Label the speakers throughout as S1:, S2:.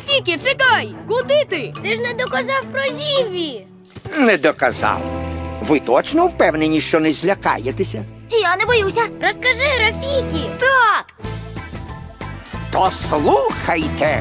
S1: Рафікі, чекай! Куди ти?
S2: Ти ж не доказав про Зімві.
S3: Не доказав. Ви точно впевнені, що не злякаєтеся?
S2: Я не боюся. Розкажи, Рафікі.
S1: Так!
S3: То слухайте.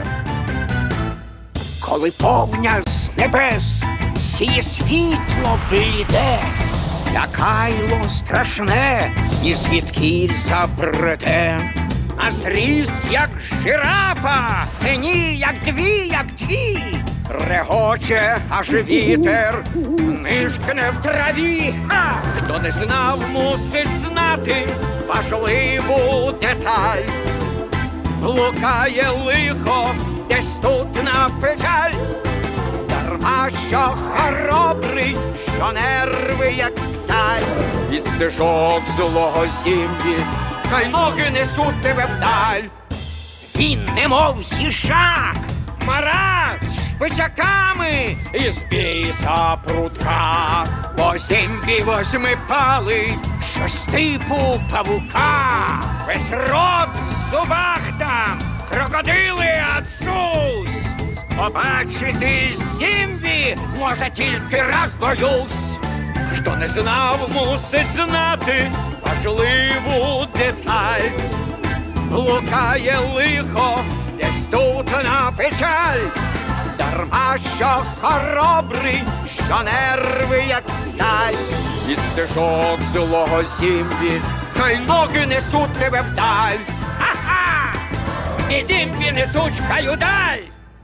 S3: Коли повня з небес сіє світло бліде, лякайло страшне, і звідкіль забреде. А зріст, як жирафа, ні, як дві, регоче, аж вітер нишкне в траві. Хто не знав, мусить знати важливу деталь. Блукає лихо десь тут на печаль, дарма що хоробрий, що нерви, як сталь. Від стежок злого Зімві хай ноги несуть тебе вдаль. Він немов їжак, мара з шпичаками і з біса прутка. Бо Зімві восьмипалий, що з типу павука. Весь рот в зубах там, крокодили ацус. Побачити Зімві може тільки раз, боюсь. Хто не знав, мусить знати важливу деталь. Блукає лихо десь тут на печаль, дарма що хоробрий, що нерви, як сталь. Від стежок злого Зімві хай ноги несуть тебе вдаль. Ха-ха! І Зімві несуть хай удаль.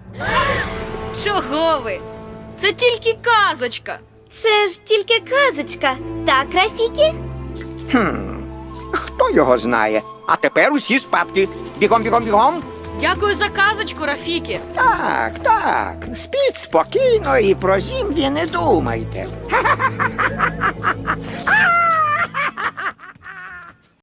S1: Чого ви? Це тільки казочка.
S2: Це ж тільки казочка. Так, Рафікі?
S3: Хто його знає? А тепер усі спадки. Бігом, бігом, бігом.
S1: Дякую за казочку, Рафікі.
S3: Так, так. Спіть спокійно і про Зімві не думайте.